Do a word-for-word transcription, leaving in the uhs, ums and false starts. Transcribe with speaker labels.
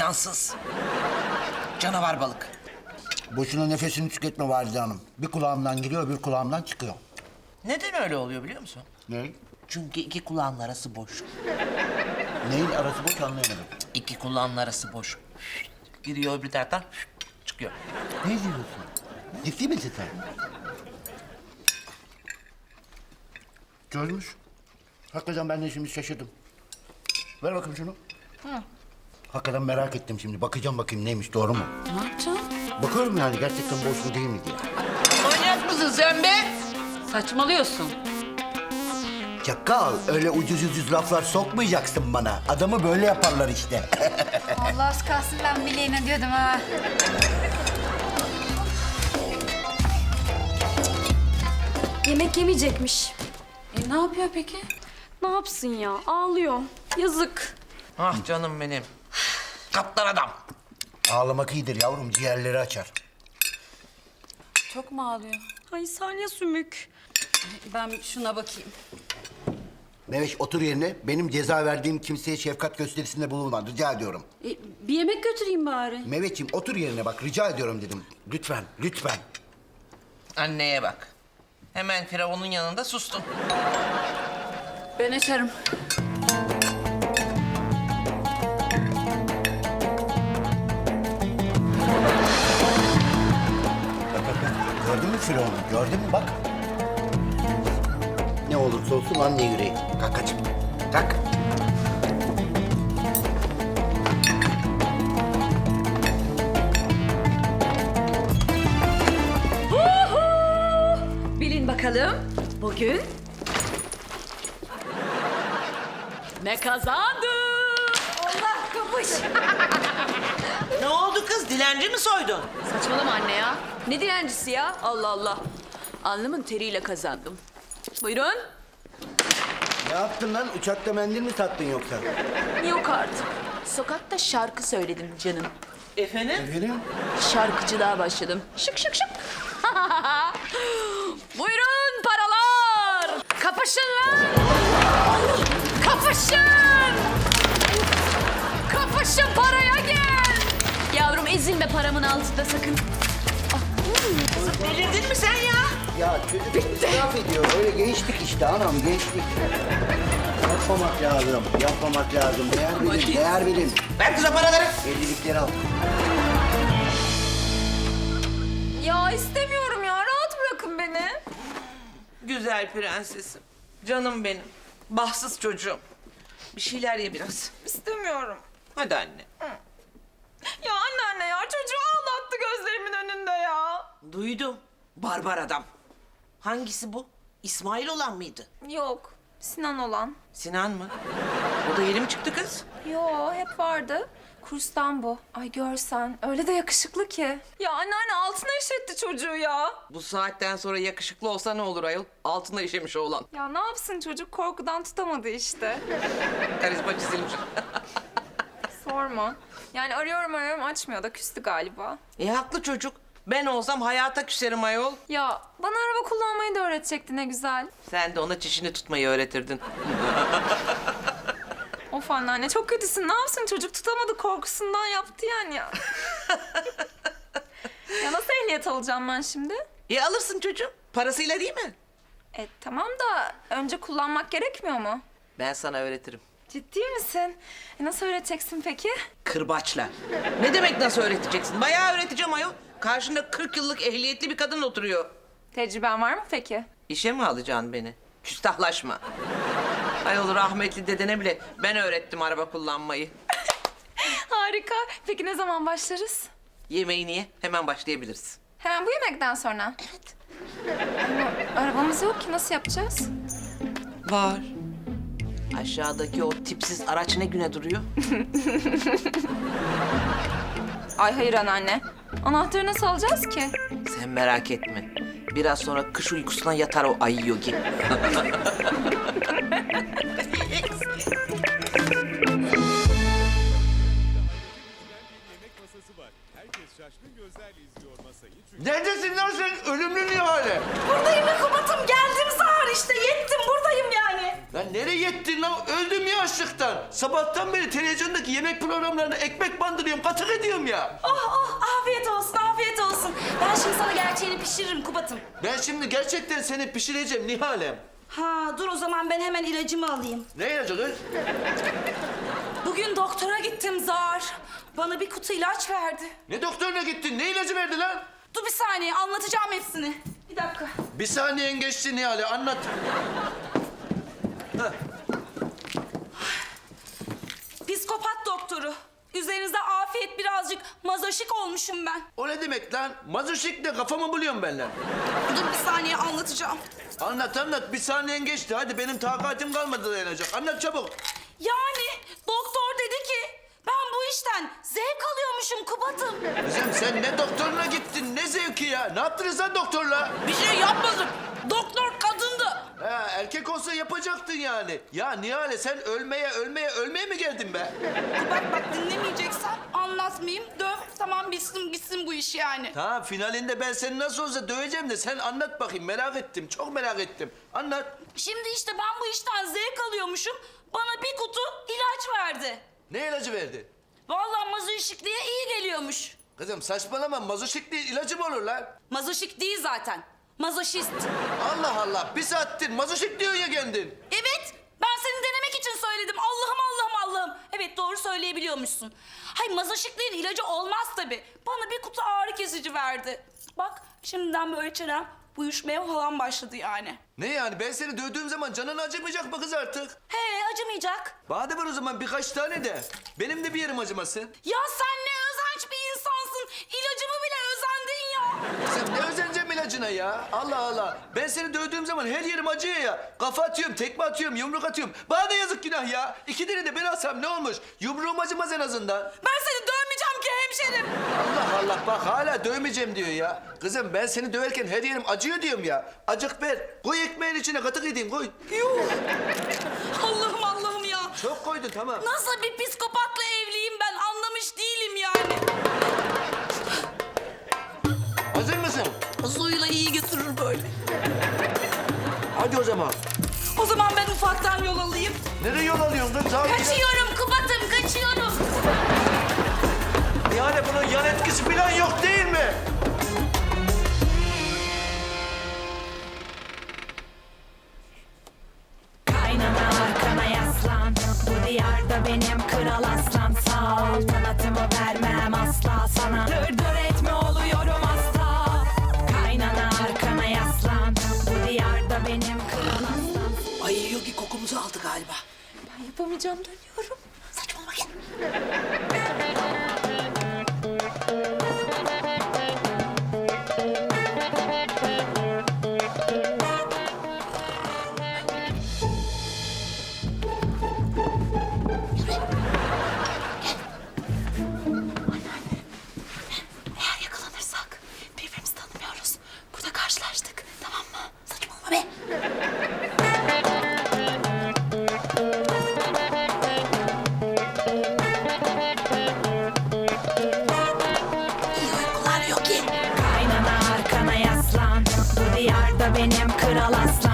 Speaker 1: cansız. Canavar balık.
Speaker 2: Boşuna nefesini tüketme Valide Hanım. Bir kulağımdan giriyor, bir kulağımdan çıkıyor.
Speaker 1: Neden öyle oluyor biliyor musun?
Speaker 2: Ne?
Speaker 1: Çünkü iki kulağın arası boş.
Speaker 2: Neyin arası boş anlayamadım.
Speaker 1: İki kulağın arası boş. Giriyor bir taraftan çıkıyor.
Speaker 2: Ne diyorsun? Ciddi misin sen? Çözmüş. Hakikaten ben de şimdi şaşırdım. Ver bakayım şunu.
Speaker 3: Hı.
Speaker 2: Hakikaten merak ettim şimdi. Bakacağım bakayım neymiş, doğru mu?
Speaker 3: Ne yapacaksın?
Speaker 2: Bakıyorum yani gerçekten boş mu değil mi diye.
Speaker 1: Manyak mısın sen be?
Speaker 3: Saçmalıyorsun.
Speaker 2: Çakal, öyle ucuz ucuz laflar sokmayacaksın bana. Adamı böyle yaparlar işte.
Speaker 4: Allah az kalsın ben bileğine diyordum ha.
Speaker 5: Yemek yemeyecekmiş.
Speaker 3: E ne yapıyor peki?
Speaker 5: Ne yapsın ya? Ağlıyor. Yazık.
Speaker 1: Ah canım benim. Kaptan adam.
Speaker 2: Ağlamak iyidir yavrum, ciğerleri açar.
Speaker 3: Çok mu ağlıyor?
Speaker 5: Ay salya sümük.
Speaker 3: Ben şuna bakayım.
Speaker 2: Meveş otur yerine. Benim ceza verdiğim kimseye şefkat gösterisinde bulunma. Rica ediyorum.
Speaker 3: E, bir yemek götüreyim bari.
Speaker 2: Mehmetciğim otur yerine bak. Rica ediyorum dedim. Lütfen, lütfen.
Speaker 1: Anneye bak. Hemen Firavun'un yanında sustum.
Speaker 3: Ben açarım.
Speaker 2: Gördün mü Firavun'u? Gördün mü bak. Ne olursa olsun anne yüreği. Kalk kaçım. Kalk.
Speaker 3: Bilin bakalım bugün ne kazandı?
Speaker 4: Allah kapış.
Speaker 1: Ne oldu kız? Dilenci mi soydun?
Speaker 3: Saçmalama anne ya. Ne dilencisi ya? Allah Allah. Alnımın teriyle kazandım. Buyurun.
Speaker 2: Ne yaptın lan? Uçakta mendil mi sattın yoksa?
Speaker 3: Yok artık. Sokakta şarkı söyledim canım.
Speaker 1: Efendim?
Speaker 2: Efendim?
Speaker 3: Şarkıcılığa başladım. Şık şık şık. Buyurun paralar. Kapışın lan. Kapışın. Kapışın paraya gel. Yavrum ezilme paramın altında sakın.
Speaker 1: Delirdin mi sen ya?
Speaker 2: Ya çocuk israf ediyor. Öyle gençlik işte anam, gençlik. Yapmamak lazım, yapmamak lazım. Değer bilin, değer bilin.
Speaker 1: Ver kıza paraları.
Speaker 2: Evlilikleri al.
Speaker 4: Ya istemiyorum ya. Rahat bırakın beni.
Speaker 1: Güzel prensesim. Canım benim. Bahtsız çocuğum. Bir şeyler ye biraz.
Speaker 4: İstemiyorum.
Speaker 1: Hadi anne.
Speaker 4: Ya anneanne ya çocuğu ağlattı gözlerimin önünde ya.
Speaker 1: Duydum. Barbar adam. Hangisi bu? İsmail olan mıydı?
Speaker 4: Yok. Sinan olan.
Speaker 1: Sinan mı? O da yeni mi çıktı kız?
Speaker 4: Yo hep vardı. Kurstan bu. Ay görsen öyle de yakışıklı ki. Ya anneanne altına işetti çocuğu ya.
Speaker 1: Bu saatten sonra yakışıklı olsa ne olur ayol? Altında işemiş oğlan.
Speaker 4: Ya ne yapsın çocuk korkudan tutamadı işte.
Speaker 1: Karizma çizilmiş.
Speaker 4: Sorma. Yani arıyorum arıyorum açmıyor da küstü galiba.
Speaker 1: E haklı çocuk. Ben olsam hayata küserim ayol.
Speaker 4: Ya bana araba kullanmayı da öğretecekti ne güzel.
Speaker 1: Sen de ona çişini tutmayı öğretirdin.
Speaker 4: Of anneanne çok kötüsün. Ne yapsın çocuk tutamadı korkusundan yaptı yani ya. Ya nasıl ehliyet alacağım ben şimdi?
Speaker 1: E alırsın çocuğum. Parasıyla değil mi?
Speaker 4: E tamam da önce kullanmak gerekmiyor mu?
Speaker 1: Ben sana öğretirim.
Speaker 4: Ciddi misin? E, nasıl öğreteceksin peki?
Speaker 1: Kırbaçla. Ne demek nasıl öğreteceksin? Bayağı öğreteceğim ayol. Karşında kırk yıllık ehliyetli bir kadın oturuyor.
Speaker 4: Tecrüben var mı peki?
Speaker 1: İşe mi alacaksın beni? Küstahlaşma. Ayol rahmetli dedene bile ben öğrettim araba kullanmayı.
Speaker 4: Harika. Peki ne zaman başlarız?
Speaker 1: Yemeğini ye, hemen başlayabiliriz.
Speaker 4: Hemen bu yemekten sonra. Evet. Ama arabamız yok ki nasıl yapacağız?
Speaker 1: Var. Aşağıdaki o tipsiz araç ne güne duruyor?
Speaker 4: Ay hayır anneanne. Anahtarı nasıl alacağız ki?
Speaker 1: Sen merak etme. Biraz sonra kış uykusuna yatar o ayı yogi.
Speaker 6: Neredesin lan sen? Ölümlü Nihale.
Speaker 5: Buradayım Kubat'ım. Geldim zar işte. Yettim buradayım yani.
Speaker 6: Lan nereye yettin lan? Öldüm ya açlıktan. Sabahtan beri televizyondaki yemek programlarına ekmek bandırıyorum, katık ediyorum ya.
Speaker 7: Oh oh afiyet olsun afiyet olsun. Ben şimdi sana gerçeğini pişiririm Kubat'ım.
Speaker 6: Ben şimdi gerçekten seni pişireceğim Nihal'em.
Speaker 7: Ha dur o zaman ben hemen ilacımı alayım.
Speaker 6: Ne ilacı kız?
Speaker 7: Bugün doktora gittim Zar. Bana bir kutu ilaç verdi.
Speaker 6: Ne doktoruna gittin? Ne ilacı verdi lan?
Speaker 7: Dur bir saniye anlatacağım hepsini. Bir dakika.
Speaker 6: Bir saniyen geçti Nihal'e, anlat. Heh.
Speaker 7: Psikopat doktoru. Üzerinizde afiyet birazcık mazoşik olmuşum ben.
Speaker 6: O ne demek lan? Mazoşikle kafamı buluyorum ben lan.
Speaker 7: Dur bir saniye anlatacağım.
Speaker 6: Anlat anlat, bir saniyen geçti. Hadi benim takatim kalmadı dayanacak. Anlat çabuk.
Speaker 7: Yani doktor dedi ki ben bu işten zevk alıyormuşum Kubat'ım.
Speaker 6: Kızım sen ne doktoruna gittin, ne zevki ya? Ne yaptınız lan doktorla?
Speaker 7: Bir şey yapmadım. Doktor kadındı.
Speaker 6: Ha, erkek olsa yapacaktın yani. Ya Nihale sen ölmeye ölmeye ölmeye mi geldin be?
Speaker 7: Kubat bak dinlemeyeceksen anlatmayayım. Döv tamam bitsin gitsin bu iş yani.
Speaker 6: Tamam, finalinde ben seni nasıl olsa döveceğim de sen anlat bakayım, merak ettim. Çok merak ettim. Anlat.
Speaker 7: Şimdi işte ben bu işten zevk alıyormuşum. Bana bir kutu ilaç verdi.
Speaker 6: Ne ilacı verdi?
Speaker 7: Vallahi mazoşikliğe iyi geliyormuş.
Speaker 6: Kızım saçmalama, mazoşikli ilacı mı olur lan?
Speaker 7: Mazoşik değil zaten. Mazoşist.
Speaker 6: Allah Allah, bir saattir mazoşik diyorsun ya kendin.
Speaker 7: Evet. Ben seni denemek için söyledim. Allah'ım Allah'ım Allah'ım. Evet doğru söyleyebiliyormuşsun. Hay mazoşikliğin ilacı olmaz tabii. Bana bir kutu ağrı kesici verdi. Bak şimdiden böyle çenem uyuşmaya falan başladı yani.
Speaker 6: Ne yani, ben seni dövdüğüm zaman canın acımayacak mı kız artık?
Speaker 7: He acımayacak.
Speaker 6: Bana da var o zaman birkaç tane de. Benim de bir yerim acımasın.
Speaker 7: Ya sen ne özenç bir insansın. İlacımı bile özendin ya.
Speaker 6: Sen ne özeneceğim ilacına ya? Allah Allah. Ben seni dövdüğüm zaman her yerim acıyor ya. Kafa atıyorum, tekme atıyorum, yumruk atıyorum. Bana da yazık günah ya. İki tane de ben alsam ne olmuş? Yumruğum acımaz en azından.
Speaker 7: Ben seni dövmeyeceğim ki hemşerim.
Speaker 6: Allah Allah, bak hala dövmeyeceğim diyor ya. Kızım ben seni döverken her yerim acıyor diyorum ya. Acık ver. Koy ekmeğin içine, katık edeyim koy.
Speaker 7: Yuh. Allah'ım Allah'ım ya.
Speaker 6: Çok koydun, tamam.
Speaker 7: Nasıl bir psikopatla evliyim ben anlamış değilim yani.
Speaker 6: Hazır mısın?
Speaker 7: Suyla iyi götürür böyle.
Speaker 6: Hadi o zaman.
Speaker 7: O zaman ben ufaktan yol alayım.
Speaker 6: Nereye yol alıyorsun kız? Sağ ol.
Speaker 7: Kaçıyorum Kubat'ım kaçıyorum.
Speaker 6: Yani bunun yan etkisi falan yok değil mi?
Speaker 8: Kaynana arkana yaslan. Bu diyarda benim kral aslan. Sağ ol kanatımı vermem asla sana. Dır dır etme oluyorum asla. Kaynana arkana yaslan. Bu diyarda benim kral aslan.
Speaker 1: Ay Yogi kokumuzu aldı galiba.
Speaker 4: Ben yapamayacağım dönüyorum.
Speaker 1: Saçmalama gel.
Speaker 4: Eğer yakalanırsak birbirimizi tanımıyoruz. Burada karşılaştık. Tamam mı? Saçmalama be. İyi uykular yok ki.
Speaker 8: Kaynana arkana yaslan. Bu diyarda benim kral aslan.